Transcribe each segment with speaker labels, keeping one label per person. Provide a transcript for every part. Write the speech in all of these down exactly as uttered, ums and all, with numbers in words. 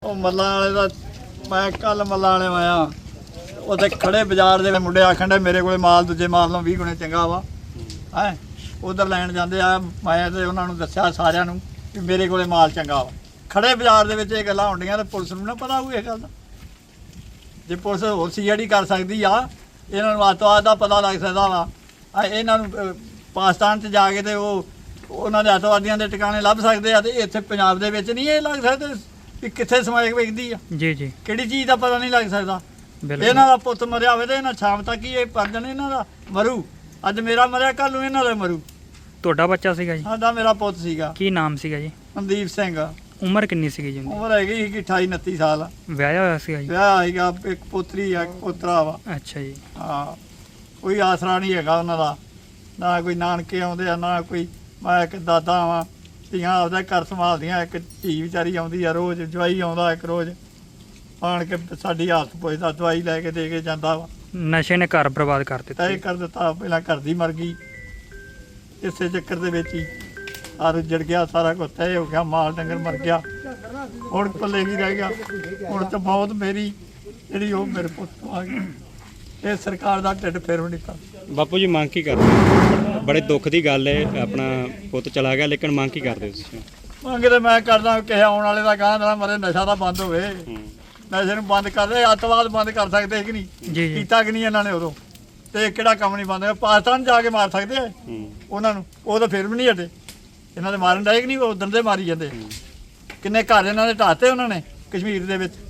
Speaker 1: ਉਹ ਮੱਲਾਂ ਵਾਲੇ ਦਾ ਮੈਂ ਕੱਲ ਮੱਲਾਂ ਵਾਲੇ ਆਇਆ ਉੱਥੇ ਖੜੇ ਬਾਜ਼ਾਰ ਦੇ ਮੁੰਡੇ ਆਖਣ ਡੇ ਮੇਰੇ ਕੋਲੇ ਮਾਲ ਦੂਜੇ ਮਾਲ ਨਾਲੋਂ ਵੀਹ ਗੁਣੇ ਚੰਗਾ ਵਾ ਹੈ ਉਧਰ ਲੈਣ ਜਾਂਦੇ ਆ। ਮੈਂ ਤੇ ਉਹਨਾਂ ਨੂੰ ਦੱਸਿਆ ਸਾਰਿਆਂ ਨੂੰ ਵੀ ਮੇਰੇ ਕੋਲੇ ਮਾਲ ਚੰਗਾ ਵਾ। ਖੜੇ ਬਾਜ਼ਾਰ ਦੇ ਵਿੱਚ ਇਹ ਗੱਲਾਂ ਹੁੰਦੀਆਂ ਤੇ ਪੁਲਿਸ ਨੂੰ ਨਾ ਪਤਾ ਹੋਊ ਇਹ ਗੱਲ ਦਾ। ਜੇ ਪੁਲਿਸ ਹੋਰ ਸੀ ਜਿਹੜੀ ਕਰ ਸਕਦੀ ਆ, ਇਹਨਾਂ ਨੂੰ ਅੱਤਵਾਦ ਦਾ ਪਤਾ ਲੱਗ ਸਕਦਾ ਵਾ। ਆ ਇਹਨਾਂ ਨੂੰ ਪਾਕਿਸਤਾਨ 'ਚ ਜਾ ਕੇ ਤੇ ਉਹ ਉਹਨਾਂ ਦੇ ਅੱਤਵਾਦੀਆਂ ਦੇ ਟਿਕਾਣੇ ਲੱਭ ਸਕਦੇ ਆ, ਤੇ ਇੱਥੇ ਪੰਜਾਬ ਦੇ ਵਿੱਚ ਨਹੀਂ ਇਹ ਲੱਗ ਸਕਦੇ ਵੀ ਕਿੱਥੇ ਸਮਾਇਕ ਵੇਖਦੀ ਆ। ਜੀ ਜੀ ਕਿਹੜੀ ਚੀਜ਼ ਦਾ ਪਤਾ ਨਹੀਂ ਲੱਗ ਸਕਦਾ। ਇਹਨਾਂ ਦਾ ਪੁੱਤ ਮਰਿਆ ਹੋਵੇ ਤੇ ਇਹਨਾਂ ਸ਼ਾਮ ਤੱਕ ਹੀ ਇਹ ਪਰਜਣ ਇਹਨਾਂ ਦਾ ਮਰੂ। ਅੱਜ ਮੇਰਾ ਮਰਿਆ, ਕੱਲ ਨੂੰ ਇਹਨਾਂ ਦਾ ਮਰੂ।
Speaker 2: ਤੁਹਾਡਾ ਬੱਚਾ ਸੀਗਾ ਜੀ? ਸਾਡਾ
Speaker 1: ਮੇਰਾ ਪੁੱਤ ਸੀਗਾ।
Speaker 2: ਕੀ ਨਾਮ ਸੀਗਾ ਜੀ?
Speaker 1: ਮਨਦੀਪ ਸਿੰਘ।
Speaker 2: ਉਮਰ ਕਿੰਨੀ ਸੀਗੀ ਜੀ?
Speaker 1: ਉਮਰ ਹੈਗੀ ਸੀ ਅਠਾਈ ਉਨੱਤੀ ਸਾਲ।
Speaker 2: ਵਿਆਹਿਆ ਹੋਇਆ ਸੀਗਾ ਜੀ?
Speaker 1: ਵਿਆਹ ਹੈਗਾ, ਇੱਕ ਪੁੱਤਰੀ ਆ, ਇੱਕ ਪੋਤਰਾ ਵਾ।
Speaker 2: ਅੱਛਾ ਜੀ।
Speaker 1: ਹਾਂ, ਕੋਈ ਆਸਰਾ ਨਹੀਂ ਹੈਗਾ ਉਹਨਾਂ ਦਾ, ਨਾ ਕੋਈ ਨਾਨਕੇ ਆਉਂਦੇ ਆ, ਨਾ ਕੋਈ। ਮੈਂ ਇੱਕ ਦਾਦਾ ਵਾਂ, ਧੀਆਂ ਆਪਦਾ ਘਰ ਸੰਭਾਲਦੀਆਂ। ਇੱਕ ਧੀ ਵਿਚਾਰੀ ਆਉਂਦੀ ਆ ਰੋਜ਼, ਜਵਾਈ ਆਉਂਦਾ ਇੱਕ ਰੋਜ਼ ਆਣ ਕੇ ਸਾਡੀ ਹਾਲਤ ਪੁੱਛਦਾ, ਦਵਾਈ ਲੈ ਕੇ ਦੇ ਕੇ ਜਾਂਦਾ ਵਾ।
Speaker 2: ਨਸ਼ੇ ਨੇ ਘਰ ਬਰਬਾਦ ਕਰ ਦਿੱਤਾ।
Speaker 1: ਤੈਅ ਕਰ ਦਿੱਤਾ, ਪਹਿਲਾਂ ਘਰ ਦੀ ਮਰ ਗਈ, ਇਸੇ ਚੱਕਰ ਦੇ ਵਿੱਚ ਹੀ ਆ ਰੁੱਜੜ ਗਿਆ ਸਾਰਾ ਕੁਝ, ਤੈਅ ਹੋ ਗਿਆ, ਮਾਲ ਡੰਗਰ ਮਰ ਗਿਆ। ਹੁਣ ਪੱਲੇ ਕੀ ਰਹਿ ਗਿਆ? ਹੁਣ ਤਾਂ ਬਹੁਤ ਮੇਰੀ ਜਿਹੜੀ ਉਹ ਮੇਰੇ ਪੁੱਤ ਤੋਂ ਆ ਗਈ। ਇਹ ਸਰਕਾਰ ਦਾ ਢਿੱਡ ਫੇਰ ਵੀ ਨਹੀਂ ਪਾ।
Speaker 3: ਬਾਪੂ ਜੀ ਮੰਗ ਕੀ ਕਰਦੇ? ਬੜੇ ਦੁੱਖ ਦੀ ਗੱਲ ਹੈ, ਆਪਣਾ ਪੁੱਤ ਚਲਾ ਗਿਆ, ਲੇਕਿਨ ਮੰਗ ਕੀ ਕਰਦੇ ਤੁਸੀਂ?
Speaker 1: ਮੰਗ ਤੇ ਮੈਂ ਕਰਦਾ ਕਿਸੇ ਆਉਣ ਵਾਲੇ ਦਾ ਗਾਂ ਦਾ ਮਰੇ, ਨਸ਼ਾ ਤਾਂ ਬੰਦ ਹੋਵੇ। ਨਸ਼ੇ ਨੂੰ ਬੰਦ ਕਰ ਦੇ, ਅੱਤਵਾਦ ਬੰਦ ਕਰ ਸਕਦੇ ਕਿ ਨਹੀਂ? ਕੀਤਾ ਕਿ ਨਹੀਂ ਇਹਨਾਂ ਨੇ ਉਦੋਂ? ਤੇ ਕਿਹੜਾ ਕੰਮ ਨਹੀਂ ਬੰਦ? ਪਾਕਿਸਤਾਨ ਜਾ ਕੇ ਮਾਰ ਸਕਦੇ ਆ ਉਹਨਾਂ ਨੂੰ, ਉਹ ਤਾਂ ਫਿਰ ਵੀ ਨਹੀਂ ਹਟੇ। ਇਹਨਾਂ ਦੇ ਮਾਰਨ ਡਾਇਕ ਨਹੀਂ, ਉਹ ਉਦੋਂ ਦੇ ਮਾਰੀ ਜਾਂਦੇ। ਕਿੰਨੇ ਘਰ ਇਹਨਾਂ ਦੇ ਢਾਤੇ ਉਹਨਾਂ ਨੇ ਕਸ਼ਮੀਰ ਦੇ ਵਿੱਚ।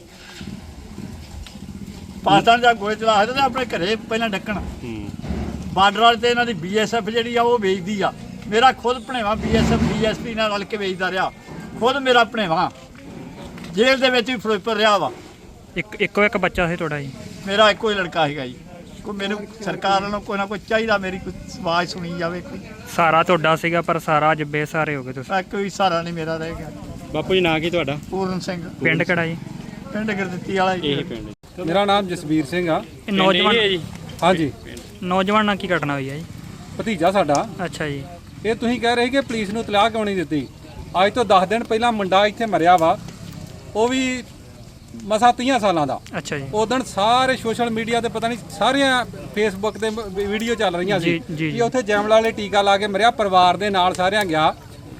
Speaker 1: ਪਾਕਿਸਤਾਨ ਜਾ ਗੋਏ ਚਲਾ ਸਕਦੇ ਆਪਣੇ ਘਰੇ ਪਹਿਲਾਂ ਡੱਕਣ। ਬਾਰਡਰ ਵਾਲੇ ਤੇ ਇਹਨਾਂ ਦੀ ਬੀ ਐਸ ਐਫ ਜਿਹੜੀ ਆ ਉਹ ਵੇਚਦੀ ਆ। ਮੇਰਾ ਖੁਦ ਭਣੇਵਾ B S F D S P ਨਾਲ ਰਲ ਕੇ ਵੇਚਦਾ ਰਿਹਾ। ਖੁਦ ਮੇਰਾ ਭਣੇਵਾ ਜੇਲ੍ਹ ਦੇ ਵਿੱਚ ਵੀ ਫਿਰੋਜ਼ਪੁਰ ਰਿਹਾ ਵਾ।
Speaker 2: ਇੱਕ ਇੱਕੋ ਇੱਕ ਬੱਚਾ ਸੀ ਤੁਹਾਡਾ ਜੀ?
Speaker 1: ਮੇਰਾ ਇੱਕੋ ਹੀ ਲੜਕਾ ਸੀਗਾ ਜੀ। ਕੋਈ ਮੈਨੂੰ ਸਰਕਾਰ ਵੱਲੋਂ ਕੋਈ ਨਾ ਕੋਈ ਚਾਹੀਦਾ, ਮੇਰੀ ਕੋਈ ਆਵਾਜ਼ ਸੁਣੀ ਜਾਵੇ। ਕੋਈ
Speaker 2: ਸਾਰਾ ਤੁਹਾਡਾ ਸੀਗਾ, ਪਰ ਸਾਰਾ ਅੱਜ ਬੇਸਹਾਰੇ ਹੋ ਗਏ ਤੁਸੀਂ।
Speaker 1: ਕੋਈ ਸਹਾਰਾ ਨਹੀਂ ਮੇਰਾ ਰਹਿ ਗਿਆ।
Speaker 3: ਬਾਪੂ ਜੀ ਨਾਂ ਕੀ ਤੁਹਾਡਾ?
Speaker 1: ਪੂਰਨ ਸਿੰਘ।
Speaker 2: ਪਿੰਡ ਕਿਹੜਾ ਜੀ?
Speaker 1: ਪਿੰਡ ਗੁਰਦਿੱਤੀ ਵਾਲਾ ਜੀ।
Speaker 3: ਇਹ ਪਿੰਡ।
Speaker 4: ਮੇਰਾ ਨਾਮ ਜਸਵੀਰ ਸਿੰਘ ਆ।
Speaker 2: ਇਹ ਨੌਜਵਾਨ
Speaker 3: ਜੀ?
Speaker 4: ਹਾਂਜੀ।
Speaker 2: ਨੌਜਵਾਨ ਨਾਲ ਕੀ ਘਟਨਾ ਹੋਈ ਹੈ ਜੀ?
Speaker 4: ਭਤੀਜਾ ਸਾਡਾ।
Speaker 2: ਅੱਛਾ ਜੀ।
Speaker 4: ਇਹ ਤੁਸੀਂ ਕਹਿ ਰਹੇ ਕਿ ਪੁਲਿਸ ਨੂੰ ਇਤਲਾਹ ਕਿਉਂ ਨਹੀਂ ਦਿੱਤੀ? ਅੱਜ ਤੋਂ ਦਸ ਦਿਨ ਪਹਿਲਾਂ ਮੁੰਡਾ ਇੱਥੇ ਮਰਿਆ ਵਾ, ਉਹ ਵੀ ਮਸਾਂ ਤੀਹ ਸਾਲਾਂ ਦਾ। ਅੱਛਾ ਜੀ। ਉਦੋਂ ਸਾਰੇ ਸੋਸ਼ਲ ਮੀਡੀਆ ਤੇ ਪਤਾ ਨਹੀਂ ਸਾਰੀਆਂ ਫੇਸਬੁੱਕ ਤੇ ਵੀਡੀਓ ਚੱਲ ਰਹੀਆਂ ਸੀ ਕਿ ਉੱਥੇ ਜੈਮਲਾ ਵਾਲੇ ਟੀਕਾ ਲਾ ਕੇ ਮਰਿਆ, ਪਰਿਵਾਰ ਦੇ ਨਾਲ ਸਾਰਿਆਂ ਗਿਆ।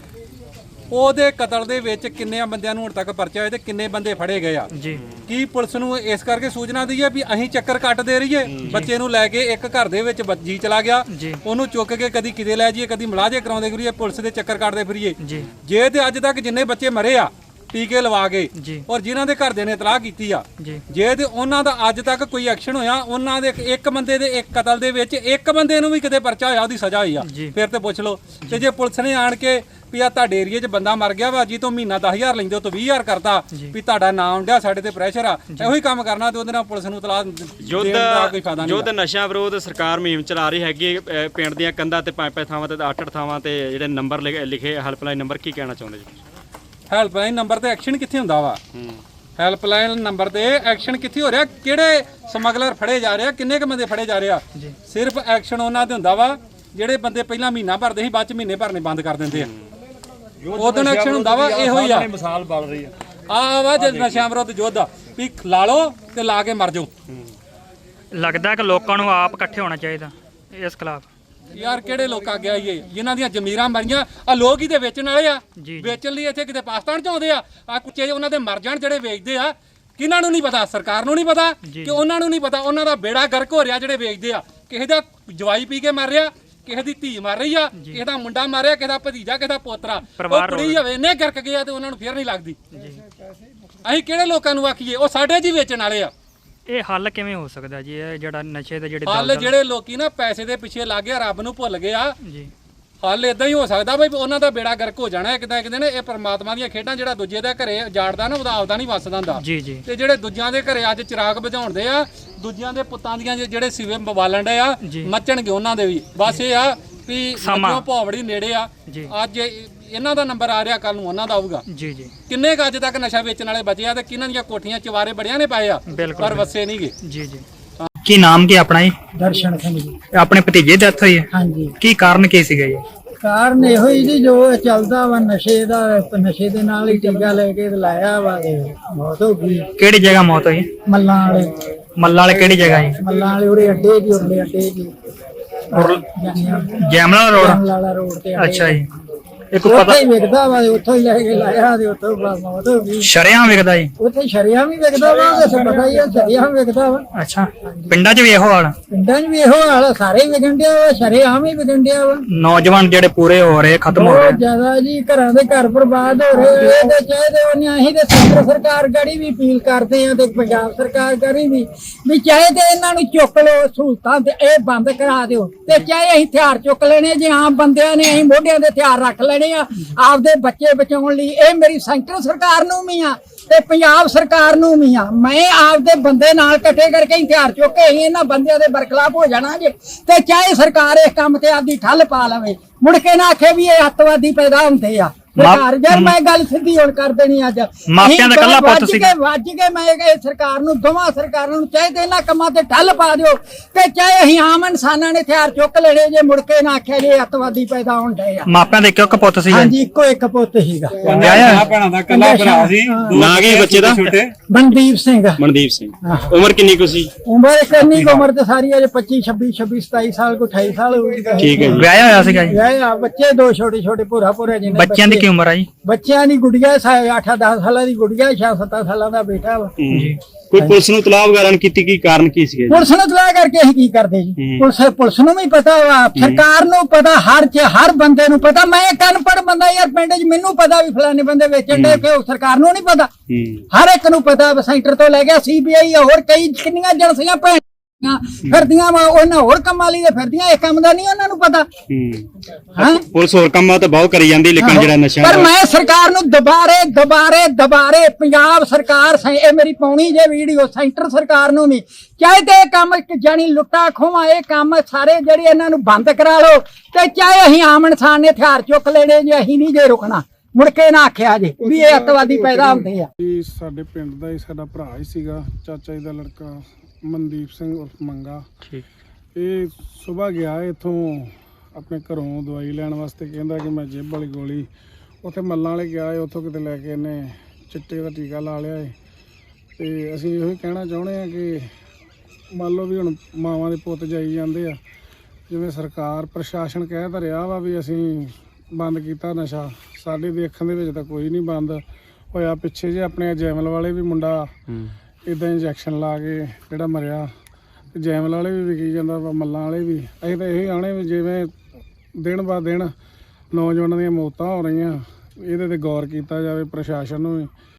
Speaker 4: ਉਹਦੇ ਕਤਲ ਦੇ ਵਿੱਚ ਕਿੰਨੇ ਬੰਦਿਆਂ ਨੂੰ ਹੁਣ ਤੱਕ ਪਰਚਾ ਹੋਇਆ ਤੇ ਕਿੰਨੇ ਬੰਦੇ ਫੜੇ ਗਏ ਆ ਜੀ? ਕੀ ਪੁਲਿਸ ਨੂੰ ਇਸ ਕਰਕੇ ਸੂਚਨਾ ਦਈ ਹੈ ਵੀ ਅਸੀਂ ਚੱਕਰ ਕੱਟ ਦੇ ਰਹੀਏ? ਬੱਚੇ ਨੂੰ ਲੈ ਕੇ ਇੱਕ ਘਰ ਦੇ ਵਿੱਚ ਜੀ ਚਲਾ ਗਿਆ, ਉਹਨੂੰ ਚੁੱਕ ਕੇ ਕਦੀ ਕਿਤੇ ਲੈ ਜਾਈਏ, ਕਦੀ ਮਲਾਜੇ ਕਰਾਉਂਦੇ ਫਿਰੀਏ, ਪੁਲਿਸ ਦੇ ਚੱਕਰ ਕੱਟਦੇ ਫਿਰੀਏ। ਜੇ ਤੇ ਅੱਜ ਤੱਕ ਜਿੰਨੇ ਬੱਚੇ ਮਰੇ ਆ ਟੀਕੇ ਲਵਾ ਕੇ, ਔਰ ਜਿਨ੍ਹਾਂ ਦੇ ਘਰਦਿਆਂ ਨੇ ਇਤਲਾਹ ਕੀਤੀ ਆ, ਜੇ ਤੇ ਉਹਨਾਂ ਦਾ ਅੱਜ ਤੱਕ ਕੋਈ ਐਕਸ਼ਨ ਹੋਇਆ, ਉਹਨਾਂ ਦੇ ਇੱਕ ਬੰਦੇ ਦੇ ਇੱਕ ਕਤਲ ਦੇ ਵਿੱਚ ਇੱਕ ਬੰਦੇ ਨੂੰ ਵੀ ਕਿਤੇ ਪਰਚਾ ਹੋਇਆ, ਉਹਦੀ ਸਜ਼ਾ ਹੋਈ ਆ, ਫਿਰ ਤੇ ਪੁੱਛ ਲਓ। ਤੇ ਜੇ ਪੁਲਿਸ ਨੇ ਆਣ ਕੇ ਵੀ ਆ ਤੁਹਾਡੇ ਏਰੀਏ 'ਚ ਬੰਦਾ ਮਰ ਗਿਆ ਵਾ ਜੀ, ਤੋਂ ਮਹੀਨਾ ਦਸ ਹਜ਼ਾਰ ਲੈਂਦੇ ਹੋ ਤੋਂ ਵੀਹ ਹਜ਼ਾਰ ਕਰਤਾ ਵੀ ਤੁਹਾਡਾ ਨਾਮ ਡਿਆ, ਸਾਡੇ ਤੇ ਪ੍ਰੈਸ਼ਰ ਆ, ਇਹੋ ਹੀ ਕੰਮ ਕਰਨਾ ਤੇ ਉਹਦੇ ਨਾਲ ਪੁਲਿਸ ਨੂੰ ਇਤਲਾਹ ਦੇਣ ਦਾ ਕੋਈ ਫਾਇਦਾ ਨਹੀਂ।
Speaker 3: ਯੁੱਧ ਨਸ਼ਾ ਵਿਰੋਧ ਸਰਕਾਰ ਮੁਹਿੰਮ ਚਲਾ ਰਹੀ ਹੈਗੀ, ਪਿੰਡ ਦੀਆਂ ਕੰਧਾਂ ਤੇ ਪੰਜ ਪੰਜ ਥਾਵਾਂ ਤੇ ਅੱਠ ਅੱਠ ਥਾਵਾਂ ਤੇ ਜਿਹੜੇ ਨੰਬਰ ਲਿਖੇ ਹੈਲਪਲਾਈਨ ਨੰਬਰ, ਕੀ ਕਹਿਣਾ ਚਾਹੁੰਦੇ ਜੀ?
Speaker 4: ਹੈਲਪਲਾਈਨ ਨੰਬਰ ਤੇ ਐਕਸ਼ਨ ਕਿੱਥੇ ਹੁੰਦਾ ਵਾ? ਹੈਲਪਲਾਈਨ ਨੰਬਰ ਤੇ ਐਕਸ਼ਨ ਕਿੱਥੇ ਹੋ ਰਿਹਾ? ਕਿਹੜੇ ਸਮਗਲਰ ਫੜੇ ਜਾ ਰਹੇ ਆ? ਕਿੰਨੇ ਕ ਬੰਦੇ ਫੜੇ ਜਾ ਰਹੇ ਆ? ਸਿਰਫ ਐਕਸ਼ਨ ਉਹਨਾਂ ਦੇ ਹੁੰਦਾ ਵਾ ਜਿਹੜੇ ਬੰਦੇ ਪਹਿਲਾਂ ਮਹੀਨਾ ਭਰਦੇ ਸੀ, ਬਾਅਦ ਚ ਮਹੀਨੇ ਭਰਨੇ ਬੰਦ ਕਰ ਦਿੰਦੇ ਆ। ਉਦੋਂ ਐਕਸ਼ਨ ਹੁੰਦਾ ਵਾ, ਇਹੋ ਹੀ ਆ।
Speaker 1: ਮਿਸਾਲ ਬਣ ਰਹੀ ਆ
Speaker 4: ਆ ਵਾ ਜਦ ਨਸ਼ਿਆਂ ਵਿਰੁੱਧ ਯੁੱਧ ਵੀ ਲਾ ਲਓ ਤੇ ਲਾ ਕੇ ਮਰ ਜਾਓ।
Speaker 2: ਲੱਗਦਾ ਕਿ ਲੋਕਾਂ ਨੂੰ ਆਪ ਇਕੱਠੇ ਹੋਣਾ ਚਾਹੀਦਾ ਇਸ ਖਿਲਾਫ।
Speaker 4: ਯਾਰ ਕਿਹੜੇ ਲੋਕ ਆ ਗਿਆ ਇਹ ਜਿਨ੍ਹਾਂ ਦੀਆਂ ਜ਼ਮੀਰਾਂ ਮਰੀਆਂ? ਆ ਲੋਕ ਹੀ ਤੇ ਵੇਚਣ ਵਾਲੇ ਆ, ਵੇਚਣ ਲਈ ਇੱਥੇ ਕਿਤੇ ਪਾਕਿਸਤਾਨ ਚ ਆਉਂਦੇ ਆ। ਆ ਕੁੱਚੇ ਉਹਨਾਂ ਦੇ ਮਰ ਜਾਣ ਜਿਹੜੇ ਵੇਚਦੇ ਆ, ਕਿਹਨਾਂ ਨੂੰ ਨਹੀਂ ਪਤਾ? ਸਰਕਾਰ ਨੂੰ ਨਹੀਂ ਪਤਾ ਕਿ ਉਹਨਾਂ ਨੂੰ ਨਹੀਂ ਪਤਾ? ਉਹਨਾਂ ਦਾ ਬੇੜਾ ਗਰਕ ਹੋ ਰਿਹਾ ਜਿਹੜੇ ਵੇਚਦੇ ਆ। ਕਿਸੇ ਦਾ ਜਵਾਈ ਪੀ ਕੇ ਮਰ ਰਿਹਾ, ਕਿਸੇ ਦੀ ਧੀ ਮਰ ਰਹੀ ਆ, ਕਿਸੇ ਦਾ ਮੁੰਡਾ ਮਾਰਿਆ, ਕਿਸੇ ਦਾ ਭਤੀਜਾ, ਕਿਸੇ ਦਾ ਪੋਤਰਾ। ਉਹ ਕੁੜੀ ਹੋਵੇ ਇੰਨੇ ਗਰਕ ਗਿਆ ਤੇ ਉਹਨਾਂ ਨੂੰ ਫੇਰ ਨਹੀਂ ਲੱਗਦੀ। ਅਸੀਂ ਕਿਹੜੇ ਲੋਕਾਂ ਨੂੰ ਆਖੀਏ? ਉਹ ਸਾਡੇ ਜੀ ਵੇਚਣ ਵਾਲੇ ਆ।
Speaker 2: ਇਹ ਹੱਲ ਕਿਵੇਂ ਹੋ ਸਕਦਾ ਜੀ? ਇਹ ਜਿਹੜਾ ਨਸ਼ੇ ਦੇ ਜਿਹੜੇ
Speaker 4: ਹੱਲ ਜਿਹੜੇ ਲੋਕੀ ਨਾ ਪੈਸੇ ਦੇ ਪਿੱਛੇ ਲੱਗ ਗਏ, ਰੱਬ ਨੂੰ ਭੁੱਲ ਗਏ ਆ ਜੀ। ਹੱਲ ਇਦਾਂ ਹੀ ਹੋ ਸਕਦਾ ਬਈ ਉਹਨਾਂ ਦਾ ਬੇੜਾ ਗਰਕ ਹੋ ਜਾਣਾ ਕਿਦਾਂ ਕਿਤੇ ਨੇ। ਇਹ ਪਰਮਾਤਮਾ ਦੀਆਂ ਖੇਡਾਂ, ਜਿਹੜਾ ਦੂਜੇ ਦੇ ਘਰੇ ਜਾੜਦਾ ਨਾ ਉਹਦਾ ਆਪਦਾ ਨਹੀਂ ਵੱਸਦਾ ਹੁੰਦਾ। ਤੇ ਜਿਹੜੇ ਦੂਜਿਆਂ ਦੇ ਘਰੇ ਅੱਜ ਚਿਰਾਗ ਬੁਝਾਉਂਦੇ ਆ, ਦੂਜਿਆਂ ਦੇ ਪੁੱਤਾਂ ਦੀਆਂ ਜਿਹੜੇ ਸਿਵੇ ਬਵਾਲਣ ਡੇ ਆ, ਮੱਚਣਗੇ ਉਹਨਾਂ ਦੇ ਵੀ। ਬਸ ਇਹ ਆ ਵੀ ਸਮਾਂ ਭੌਵੜੀ ਨੇੜੇ ਆ। ਅੱਜ ਇਹਨਾਂ ਦਾ ਨੰਬਰ ਆ ਰਿਹਾ, ਕੱਲ ਨੂੰ ਉਹਨਾਂ ਦਾ ਆਊਗਾ। ਜੀ ਜੀ ਕਿੰਨੇ ਕ ਅੱਜ ਤੱਕ ਨਸ਼ਾ ਵੇਚਣ ਵਾਲੇ ਬਚੇ ਆ ਤੇ ਕਿਹਨਾਂ ਦੀਆਂ ਕੋਠੀਆਂ ਚਵਾਰੇ ਬੜਿਆਂ ਨੇ ਪਾਏ ਆ, ਪਰ ਵਸੇ ਨਹੀਂਗੇ। ਜੀ ਜੀ ਕੀ ਨਾਮ ਕੀ ਆਪਣਾ ਜੀ?
Speaker 5: ਦਰਸ਼ਨ ਸਿੰਘ ਜੀ।
Speaker 2: ਆਪਣੇ ਭਤੀਜੇ ਦੀ ਡੈਥ ਹੋਈ ਹੈ?
Speaker 5: ਹਾਂਜੀ।
Speaker 2: ਕੀ ਕਾਰਨ ਕੀ ਸੀਗਾ ਜੀ?
Speaker 5: ਕਾਰਨ ਇਹੋ ਹੀ ਜੀ ਜੋ ਚੱਲਦਾ ਵਾ ਨਸ਼ੇ ਦਾ, ਨਸ਼ੇ ਦੇ ਨਾਲ ਹੀ ਟੀਕਾ ਲੈ ਕੇ ਲਾਇਆ ਵਾ ਤੇ ਮੌਤ ਹੋ ਗਈ।
Speaker 2: ਕਿਹੜੀ ਜਗ੍ਹਾ ਮੌਤ ਹੋਈ?
Speaker 5: ਮੱਲਾਂ ਵਾਲੇ
Speaker 2: ਮੱਲਾ ਵਾਲੇ ਕਿਹੜੀ ਜਗ੍ਹਾ ਜੀ?
Speaker 5: ਮੱਲਾਂ ਵਾਲੇ ਉਹਦੇ ਅੱਡੇ ਜੀ, ਉਹਦੇ ਅੱਡੇ ਜੀ,
Speaker 2: ਜੈਮਲਾ ਰੋਡ।
Speaker 5: ਲਾਲਾ ਰੋਡ ਤੇ
Speaker 2: ਅੱਛਾ ਜੀ, ਇੱਕ
Speaker 5: ਉੱਥੇ
Speaker 2: ਪਤਾ
Speaker 5: ਹੀ ਵਿਕਦਾ ਵਾ, ਉੱਥੋਂ ਹੀ ਲੈ ਕੇ ਲਾਇਆ ਤੇ ਉੱਥੋਂ ਬਸ ਮੌਤ ਹੋ ਗਈ।
Speaker 2: ਸ਼ਰੇਆਮ ਵਿਕਦਾ ਜੀ?
Speaker 5: ਉੱਥੇ ਸ਼ਰਿਆਂ ਵੀ ਵਿਕਦਾ ਵਾ, ਤੇ ਪਤਾ ਹੀ ਆ ਸ਼ਰਿਆਂ ਵਿਕਦਾ ਵਾ।
Speaker 2: ਅੱਛਾ, ਪਿੰਡਾਂ 'ਚ ਵੀ ਇਹੋ ਹਾਲ?
Speaker 5: ਪਿੰਡਾਂ 'ਚ ਵੀ ਇਹੋ ਹਾਲ ਆ, ਸਾਰੇ ਹੀ ਵਿਕਣ ਡਿਆ ਵਾ, ਸ਼ਰੇਆਮ ਹੀ ਵਿਕਣ ਡਿਆ ਵਾ।
Speaker 2: ਨੌਜਵਾਨ ਜਿਹੜੇ ਪੂਰੇ ਹੋ ਰਹੇ, ਖਤਮ ਹੋ
Speaker 5: ਬਹੁਤ
Speaker 2: ਰਹੇ।
Speaker 5: ਜ਼ਿਆਦਾ ਜੀ, ਘਰਾਂ ਦੇ ਘਰ ਬਰਬਾਦ ਹੋ ਰਹੇ। ਇਹਦੇ ਚਾਹੀਦੇ ਉਹਨੇ ਅਸੀਂ ਤੇ ਕੇਂਦਰ ਸਰਕਾਰ ਗੜੀ ਵੀ ਅਪੀਲ ਕਰਦੇ ਆ ਤੇ ਪੰਜਾਬ ਸਰਕਾਰ ਗੜੀ ਵੀ ਵੀ ਚਾਹੇ ਤੇ ਇਹਨਾਂ ਨੂੰ ਚੁੱਕ ਲਓ ਸਹੂਲਤਾਂ ਤੇ ਇਹ ਬੰਦ ਕਰਾ ਦਿਓ, ਤੇ ਚਾਹੇ ਅਸੀਂ ਹਥਿਆਰ ਚੁੱਕ ਲੈਣੇ ਜੇ ਆਮ ਬੰਦਿਆਂ ਨੇ, ਅਸੀਂ ਮੋਢਿਆਂ ਦੇ ਹਥਿਆਰ ਰੱਖ ਲੈਣੇ ਆ ਆਪਦੇ ਬੱਚੇ ਬਚਾਉਣ ਲਈ। ਇਹ ਮੇਰੀ ਸੈਂਟਰ ਸਰਕਾਰ ਨੂੰ ਵੀ ਆ ਤੇ ਪੰਜਾਬ ਸਰਕਾਰ ਨੂੰ ਵੀ ਆ। ਮੈਂ ਆਪਦੇ ਬੰਦੇ ਨਾਲ ਇਕੱਠੇ ਕਰਕੇ ਹਥਿਆਰ ਚੁੱਕ ਕੇ ਅਸੀਂ ਇਹਨਾਂ ਬੰਦਿਆਂ ਦੇ ਬਰਖਲਾਫ ਹੋ ਜਾਣਾ ਜੇ, ਤੇ ਚਾਹੇ ਸਰਕਾਰ ਇਸ ਕੰਮ ਤੇ ਆਪਦੀ ਠੱਲ ਪਾ ਲਵੇ, ਮੁੜ ਕੇ ਨਾ ਆਖੇ ਵੀ ਇਹ ਅੱਤਵਾਦੀ ਪੈਦਾ ਹੁੰਦੇ ਆ। ਸਰਕਾਰ ਯਾਰ ਮੈਂ ਗੱਲ ਸਿੱਧੀ ਹੁਣ ਕਰ ਦੇਣੀ ਅੱਜ।
Speaker 2: ਮਾਪਿਆਂ ਦਾ ਇਕੱਲਾ ਪੁੱਤ ਸੀ।
Speaker 5: ਵੱਜ ਕੇ ਮੈਂ ਇਹ ਸਰਕਾਰ ਨੂੰ, ਦੋਵਾਂ ਸਰਕਾਰਾਂ ਨੂੰ ਚਾਹੇ ਤੇ ਇਹਨਾਂ ਕੰਮਾਂ ਤੇ ਠੱਲ ਪਾ ਦਿਓ, ਤੇ ਚਾਹੇ ਅਸੀਂ ਆਮ ਇਨਸਾਨਾਂ ਨੇ ਹਥਿਆਰ ਚੁੱਕ ਲੈਣੇ ਜੇ, ਮੁੜ ਕੇ ਨਾ ਆਖਿਆ ਜੇ ਅੱਤਵਾਦੀ ਪੈਦਾ ਹੋਣ ਡਏ ਆ।
Speaker 2: ਮਾਪਿਆਂ ਦੇ ਕਿਉਂ ਪੁੱਤ ਸੀ?
Speaker 5: ਹਾਂਜੀ, ਇੱਕੋ ਇੱਕ ਪੁੱਤ ਸੀਗਾ।
Speaker 2: ਵਿਆਹਿਆ?
Speaker 4: ਭੈਣਾਂ ਦਾ ਇਕੱਲਾ ਭਰਾ ਸੀ।
Speaker 3: ਨਾਂ ਕੀ ਬੱਚੇ ਦਾ?
Speaker 5: ਮਨਦੀਪ ਸਿੰਘ।
Speaker 3: ਮਨਦੀਪ ਸਿੰਘ। ਉਮਰ ਕਿੰਨੀ ਕੁ ਸੀ?
Speaker 5: ਉਮਰ ਕਿੰਨੀ ਕੁ ਉਮਰ ਤੇ ਸਾਰੀ ਅਜੇ ਪੱਚੀ ਛੱਬੀ ਛੱਬੀ ਸਤਾਈ ਸਾਲ ਕੋ ਅਠਾਈ ਸਾਲ ਹੋਈ।
Speaker 3: ਠੀਕ ਹੈ ਜੀ।
Speaker 2: ਵਿਆਹਿਆ ਹੋਇਆ ਸੀਗਾ ਜੀ?
Speaker 5: ਵਿਆਹਿਆ, ਬੱਚੇ ਦੋ ਛੋਟੇ ਛੋਟੇ ਭੂਰਾ ਭੂਰਾ ਜਿਹਨੇ।
Speaker 2: ਬੱਚਿਆਂ ਦੀ ਕੀ ਉਮਰ ਆ ਜੀ?
Speaker 5: ਬੱਚਿਆਂ ਦੀ ਗੁੜੀਆ ਅੱਠ ਦਸ ਸਾਲਾਂ ਦੀ ਗੁੜੀਆ, ਛੇ ਸੱਤ ਸਾਲਾਂ ਦਾ ਬੇਟਾ ਵਾ
Speaker 3: ਜੀ। ਕੋਈ ਪੁਲਿਸ ਨੂੰ ਤਲਾਬ ਵਗੈਰਾ ਨਹੀਂ ਕੀਤੀ? ਕੀ ਕਾਰਨ ਕੀ ਸੀਗਾ?
Speaker 5: ਪੁਲਿਸ ਨੂੰ ਤਲਾਹ ਕਰਕੇ ਅਸੀਂ ਕੀ ਕਰਦੇ ਜੀ? ਪੁਲਿਸ ਪੁਲਿਸ ਨੂੰ ਵੀ ਪਤਾ ਵਾ, ਸਰਕਾਰ ਨੂੰ ਪਤਾ, ਹਰ ਚ ਹਰ ਬੰਦੇ ਨੂੰ ਪਤਾ। ਮੈਂ ਇੱਕ ਅਨਪੜ੍ਹ ਬੰਦਾ ਯਾਰ, ਪਿੰਡ 'ਚ ਮੈਨੂੰ ਪਤਾ ਵੀ ਫਲਾਣੇ ਬੰਦੇ ਵੇਚਣ ਦੇ, ਕਿ ਸਰਕਾਰ ਨੂੰ ਨਹੀਂ ਪਤਾ? ਹਰ ਇੱਕ ਨੂੰ ਪਤਾ। ਸੈਂਟਰ ਤੋਂ ਲੈ ਗਿਆ ਸੀ ਬੀ ਆਈ, ਹੋਰ ਕਈ ਕਿੰਨੀਆਂ ਏਜੰਸੀਆਂ ਭੈਣ ਫਿਰਦੀਆਂ ਵਾ, ਉਹਨਾਂ ਹੋਰ ਕੰਮਾਂ ਲਈ ਫਿਰਦੀਆਂ, ਇਹ ਕੰਮ ਦਾ ਨਹੀਂ ਉਹਨਾਂ ਨੂੰ ਪਤਾ।
Speaker 3: ਪੁਲਿਸ ਹੋਰ ਕੰਮਾਂ ਤਾਂ ਬਹੁਤ ਕਰੀ ਜਾਂਦੀ, ਲੇਕਿਨ ਜਿਹੜਾ ਨਸ਼ਾ,
Speaker 5: ਪਰ ਮੈਂ ਸਰਕਾਰ ਨੂੰ ਦੁਬਾਰੇ ਦੁਬਾਰੇ ਦੁਬਾਰੇ ਪੰਜਾਬ ਸਰਕਾਰ, ਇਹ ਮੇਰੀ ਪਾਉਣੀ ਜੇ ਵੀਡੀਓ, ਸੈਂਟਰ ਸਰਕਾਰ ਨੂੰ ਵੀ ਚਾਹੇ ਤੇ ਇਹ ਕੰਮ ਜਾਨੀ ਲੁੱਟਾ ਖੋਵਾ, ਇਹ ਕੰਮ ਸਾਰੇ ਜਿਹੜੇ ਇਹਨਾਂ ਨੂੰ ਬੰਦ ਕਰਾ ਲਓ, ਤੇ ਚਾਹੇ ਅਸੀਂ ਆਮ ਇਨਸਾਨ ਨੇ ਹਥਿਆਰ ਚੁੱਕ ਲੈਣੇ ਜੇ, ਅਸੀਂ ਨਹੀਂ ਜੇ ਰੁਕਣਾ। ਮੁੜ ਕੇ ਨਾ ਆਖਿਆ ਜੇ ਵੀ ਇਹ ਅੱਤਵਾਦੀ ਪੈਦਾ ਹੁੰਦੇ ਆ।
Speaker 6: ਸਾਡੇ ਪਿੰਡ ਦਾ ਹੀ ਸਾਡਾ ਭਰਾ ਹੀ ਸੀਗਾ, ਚਾਚਾ ਜੀ ਦਾ ਲੜਕਾ ਮਨਦੀਪ ਸਿੰਘ ਉਰਫ ਮੰਗਾ। ਠੀਕ। ਇਹ ਸਵੇਰ ਗਿਆ ਇੱਥੋਂ ਆਪਣੇ ਘਰੋਂ ਦਵਾਈ ਲੈਣ ਵਾਸਤੇ, ਕਹਿੰਦਾ ਕਿ ਮੈਂ ਜੇਬ ਵਾਲੀ ਗੋਲੀ, ਉੱਥੇ ਮੱਲਾਂ ਵਾਲੇ ਗਿਆ ਹੈ, ਉੱਥੋਂ ਕਿਤੇ ਲੈ ਕੇ ਇਹਨੇ ਚਿੱਟੇ ਦਾ ਟੀਕਾ ਲਾ ਲਿਆ ਹੈ। ਤੇ ਅਸੀਂ ਇਹੋ ਹੀ ਕਹਿਣਾ ਚਾਹੁੰਦੇ ਹਾਂ ਕਿ ਮੰਨ ਲਓ ਵੀ ਹੁਣ ਮਾਵਾਂ ਦੇ ਪੁੱਤ ਜਾਈ ਜਾਂਦੇ ਆ, ਜਿਵੇਂ ਸਰਕਾਰ ਪ੍ਰਸ਼ਾਸਨ ਕਹਿ ਤਾਂ ਰਿਹਾ ਵਾ ਵੀ ਅਸੀਂ ਬੰਦ ਕੀਤਾ ਨਸ਼ਾ, ਸਾਡੇ ਦੇਖਣ ਦੇ ਵਿੱਚ ਤਾਂ ਕੋਈ ਨਹੀਂ ਬੰਦ ਹੋਇਆ। ਪਿੱਛੇ ਜੇ ਆਪਣੇ ਜੈਮਲ ਵਾਲੇ ਵੀ ਮੁੰਡਾ ਇੱਦਾਂ ਇੰਜੈਕਸ਼ਨ ਲਾ ਕੇ ਜਿਹੜਾ ਮਰਿਆ, ਤੇ ਜੈਮਲ ਵਾਲੇ ਵੀ ਵਿਕੀ ਜਾਂਦਾ ਵਾ, ਮੱਲਾਂ ਵਾਲੇ ਵੀ। ਅਸੀਂ ਤਾਂ ਇਹੀ ਆਣੇ ਵੀ ਜਿਵੇਂ ਦਿਨ ਬਾ ਦਿਨ ਨੌਜਵਾਨਾਂ ਦੀਆਂ ਮੌਤਾਂ ਹੋ ਰਹੀਆਂ, ਇਹਦੇ 'ਤੇ ਗੌਰ ਕੀਤਾ ਜਾਵੇ ਪ੍ਰਸ਼ਾਸਨ ਨੂੰ ਵੀ।